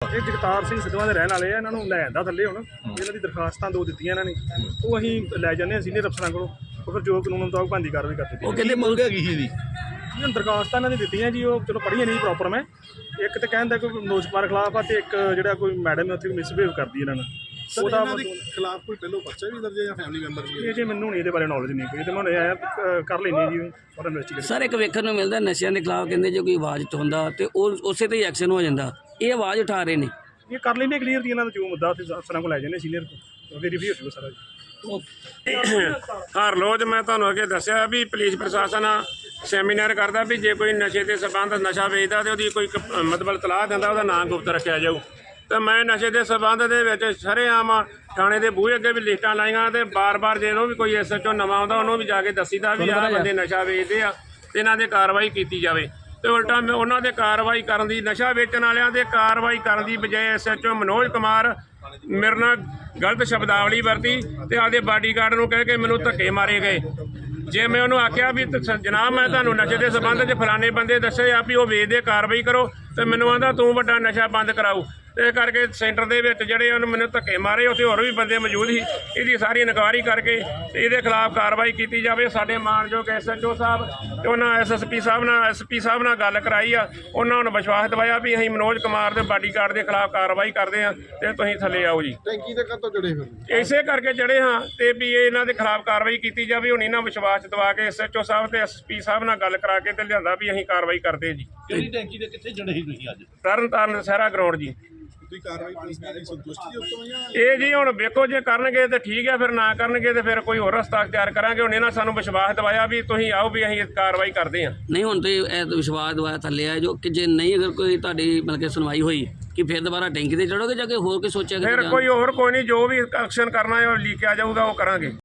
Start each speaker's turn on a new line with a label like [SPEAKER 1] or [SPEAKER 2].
[SPEAKER 1] ਇਹ ਜਗਤਾਰ ਸਿੰਘ ਸਿੱਧਵਾਂ ਦੇ ਰਹਿਣ ਵਾਲੇ ਆ। ਇਹਨਾਂ ਨੂੰ ਲੈ ਆਂਦਾ ਥੱਲੇ ਹੁਣ। ਇਹਨਾਂ ਦੀ ਦਰਖਾਸਤਾਂ 2 ਦਿੱਤੀਆਂ ਇਹਨਾਂ ਨੇ, ਉਹ ਅਸੀਂ ਲੈ ਜਾਂਦੇ ਹਾਂ ਸੀਨੀਅਰ ਅਫਸਰਾਂ ਕੋਲੋਂ। ਉਹ ਫਿਰ ਜੋ ਕਾਨੂੰਨ ਮੁਤਾਬਕ ਬਣਦੀ ਕਾਰਵਾਈ ਕਰ ਦਿੱਤੀ।
[SPEAKER 2] ਉਹ ਕਹਿੰਦੇ ਮੰਗ ਹੈਗੀ ਸੀ ਇਹਦੀ
[SPEAKER 1] ਦਰਖਾਸਤਾਂ ਇਹਨਾਂ ਦੀ ਦਿੱਤੀਆਂ ਜੀ, ਉਹ ਚਲੋ ਪੜ੍ਹੀਆਂ ਨਹੀਂ ਪ੍ਰੋਪਰ। ਮੈਂ ਇੱਕ ਤਾਂ ਕਹਿੰਦਾ ਕੋਈ ਮਨੋਜ ਕੁਮਾਰ ਖਿਲਾਫ ਆ, ਤੇ ਇੱਕ ਜਿਹੜਾ ਕੋਈ ਮੈਡਮ ਉੱਥੇ ਮਿਸਬਿਹੇਵ ਕਰਦੀ ਇਹਨਾਂ ਨੂੰ, ਉਹਦਾ
[SPEAKER 3] ਖਿਲਾਫ ਕੋਈ ਪਹਿਲੋਂ ਪਰਚਾ ਵੀ ਦਰਜ ਹੈ ਜਾਂ ਫੈਮਿਲੀ ਮੈਂਬਰ
[SPEAKER 1] ਇਹ ਜੇ ਮੈਨੂੰ ਨਹੀਂ ਇਹਦੇ ਬਾਰੇ ਨੌਲੇਜ ਨਹੀਂ ਕੋਈ, ਤੇ ਮੈਂ ਆਇਆ ਕਰ ਲੈਂਦੇ ਜੀ ਔਰ ਇਨਵੈਸਟੀਗੇਟ।
[SPEAKER 4] ਸਰ ਇੱਕ ਵੇਖਣ ਨੂੰ ਮਿਲਦਾ ਨਸ਼ਿਆਂ ਦੇ ਖਿਲਾਫ ਕਹਿੰਦੇ ਜੇ ਕੋਈ ਆਵਾਜ਼ ਉਠਾਉਂਦਾ ਤੇ ਉਹ ਉਸੇ ਤੇ ਹੀ ਐਕਸ਼ਨ ਹੋ ਜਾਂਦਾ। ਇਹ ਆਵਾਜ਼ ਉਠਾ ਰਹੇ ਨੇ,
[SPEAKER 1] ਇਹ ਕਰ ਲੈਂਦੇ ਕਲੀਅਰ ਜੀ। ਇਹਨਾਂ ਦਾ ਜੋ ਮੁੱਦਾ ਉੱਥੇ ਅਫਸਰਾਂ ਕੋਲ ਲੈ ਜਾਂਦੇ ਸੀਨੀਅਰ ਕੋਲ, ਵੈਰੀਫਾਈ ਹੋ ਜਾਊਗਾ ਸਾਰਾ ਜੀ।
[SPEAKER 5] ਹਰ ਰੋਜ਼ ਮੈਂ ਤੁਹਾਨੂੰ ਅੱਗੇ ਦੱਸਿਆ ਵੀ ਪੁਲਿਸ ਪ੍ਰਸ਼ਾਸਨ ਸੈਮੀਨਾਰ ਕਰਦਾ ਵੀ ਜੇ ਕੋਈ ਨਸ਼ੇ ਦੇ ਸਬੰਧ ਨਸ਼ਾ ਵੇਚਦਾ ਤੇ ਉਹਦੀ ਕੋਈ ਮਤਲਬ ਤਲਾਹ ਦਿੰਦਾ, ਉਹਦਾ ਨਾਂ ਗੁਪਤ ਰੱਖਿਆ ਜਾਊ। ਤੇ ਮੈਂ ਨਸ਼ੇ ਦੇ ਸਬੰਧ ਦੇ ਵਿੱਚ ਸਰੇਆਮ ਥਾਣੇ ਦੇ ਬੂਹੇ ਅੱਗੇ ਵੀ ਲਿਸਟਾਂ ਲਾਈਆਂ, ਤੇ ਬਾਰ-ਬਾਰ ਜਦੋਂ ਵੀ ਕੋਈ SHO ਨਵਾਂ ਆਉਂਦਾ ਉਹਨੂੰ ਵੀ ਜਾ ਕੇ ਦੱਸੀਦਾ ਵੀ ਆਹ ਬੰਦੇ ਨਸ਼ਾ ਵੇਚਦੇ ਆ ਤੇ ਇਹਨਾਂ 'ਤੇ ਕਾਰਵਾਈ ਕੀਤੀ ਜਾਵੇ। ਤੇ ਉਲਟਾ ਮੈਂ ਉਹਨਾਂ ਦੇ ਕਾਰਵਾਈ ਕਰਨ ਦੀ, ਨਸ਼ਾ ਵੇਚਣ ਵਾਲਿਆਂ ਦੇ ਕਾਰਵਾਈ ਕਰਨ ਦੀ ਬਜਾਏ SHO ਮਨੋਜ ਕੁਮਾਰ ਮੇਰੇ ਨਾਲ ਗਲਤ ਸ਼ਬਦਾਵਲੀ ਵਰਤੀ ਤੇ ਆਪਦੇ ਬਾਡੀਗਾਰਡ ਨੂੰ ਕਹਿ ਕੇ ਮੈਨੂੰ ਧੱਕੇ ਮਾਰੇ ਗਏ। ਜੇ ਮੈਂ ਉਹਨੂੰ ਆਖਿਆ ਵੀ ਜਨਾਬ ਮੈਂ ਤੁਹਾਨੂੰ ਨਸ਼ੇ ਦੇ ਸਬੰਧ 'ਚ ਫਲਾਣੇ ਬੰਦੇ ਦੱਸੇ ਆ ਵੀ ਉਹ ਵੇਚਦੇ, ਕਾਰਵਾਈ ਕਰੋ, ਤੇ ਮੈਨੂੰ ਆਂਦਾ ਤੂੰ ਵੱਡਾ ਨਸ਼ਾ ਬੰਦ ਕਰਾਊ। ਇਸ ਕਰਕੇ ਸੈਂਟਰ ਦੇ ਵਿੱਚ ਜਿਹੜੇ ਉਹਨੂੰ ਮੈਨੂੰ ਧੱਕੇ ਮਾਰੇ, ਉੱਥੇ ਹੋਰ ਵੀ ਬੰਦੇ ਮੌਜੂਦ ਸੀ। ਇਹਦੀ ਸਾਰੀ ਇਨਕੁਆਇਰੀ ਕਰਕੇ ਤੇ ਇਹਦੇ ਖਿਲਾਫ ਕਾਰਵਾਈ ਕੀਤੀ ਜਾਵੇ। ਸਾਡੇ ਮਾਣਯੋਗ SHO ਸਾਹਿਬ ਤੇ ਉਹਨਾਂ SSP ਸਾਹਿਬ ਨਾਲ SP ਸਾਹਿਬ ਨਾਲ ਗੱਲ ਕਰਾਈ ਆ, ਉਹਨਾਂ ਨੂੰ ਵਿਸ਼ਵਾਸ ਦਿਵਾਇਆ ਵੀ ਅਸੀਂ ਮਨੋਜ ਕੁਮਾਰ ਦੇ ਬਾਡੀਗਾਰਡ ਦੇ ਖਿਲਾਫ ਕਾਰਵਾਈ ਕਰਦੇ ਹਾਂ ਤੇ ਤੁਸੀਂ ਥੱਲੇ ਆਓ ਜੀ।
[SPEAKER 3] ਟੈਂਕੀ ਦੇ ਕਦੋਂ ਜੜੇ ਹੋਏ
[SPEAKER 5] ਇਸੇ ਕਰਕੇ ਜੜੇ ਹਾਂ ਤੇ ਵੀ ਇਹਨਾਂ ਦੇ ਖਿਲਾਫ ਕਾਰਵਾਈ ਕੀਤੀ ਜਾਵੇ। ਹੁਣ ਇਹਨਾਂ ਵਿਸ਼ਵਾਸ ਦਿਵਾ ਕੇ SHO ਸਾਹਿਬ ਤੇ SP ਸਾਹਿਬ ਨਾਲ ਗੱਲ ਕਰਾ ਕੇ ਤੇ ਲਿਆਂਦਾ ਵੀ ਅਸੀਂ ਕਾਰਵਾਈ ਕਰਦੇ ਜੀ।
[SPEAKER 2] ਕਿਹੜੀ ਟੈਂਕੀ ਦੇ ਕਿੱਥੇ ਜੜੇ ਸੀ ਤੁਸੀਂ ਅੱਜ?
[SPEAKER 5] ਤਰਨ ਸਹਿਰਾ ਗਰਾਊਂਡ ਜੀ।
[SPEAKER 3] ਤੁਸੀਂ ਕਾਰਵਾਈ ਪੁਲਿਸ ਦੀ ਸੰਤੁਸ਼ਟੀ ਦੇ ਉੱਤੇ ਜਾਂ
[SPEAKER 5] ਇਹ ਜੀ ਹੁਣ ਵੇਖੋ, ਜੇ ਕਰਨਗੇ ਤੇ ਠੀਕ ਹੈ, ਫਿਰ ਨਾ ਕਰਨਗੇ ਤੇ ਫਿਰ ਕੋਈ ਹੋਰ ਰਸਤਾ ਅਖਤਿਆਰ ਕਰਾਂਗੇ। ਹੁਣ ਇਹਨਾਂ ਸਾਨੂੰ ਵਿਸ਼ਵਾਸ ਦਿਵਾਇਆ ਵੀ ਤੁਸੀਂ ਆਓ ਵੀ ਅਸੀਂ ਕਾਰਵਾਈ ਕਰਦੇ ਹਾਂ।
[SPEAKER 4] ਨਹੀਂ ਹੁਣ ਤੇ ਇਹ ਵਿਸ਼ਵਾਸ ਦਵਾਇਆ ਥੱਲੇ ਆ ਜੋ ਕਿ ਜੇ ਨਹੀਂ ਅਗਰ ਕੋਈ ਤੁਹਾਡੀ ਮਤਲਬ ਕਿ ਸੁਣਵਾਈ ਹੋਈ ਕਿ ਫਿਰ ਦੁਬਾਰਾ ਟੈਂਕੀ ਤੇ ਚੜੋਗੇ ਜਾਂ ਕਿ ਹੋਰ ਕੋਈ ਸੋਚਿਆ?
[SPEAKER 5] ਫਿਰ ਕੋਈ ਹੋਰ ਕੋਈ ਨਹੀਂ, ਜੋ ਵੀ ਐਕਸ਼ਨ ਕਰਨਾ ਹੈ ਉਹ ਲਿਖਿਆ ਜਾਊਗਾ, ਉਹ ਕਰਾਂਗੇ।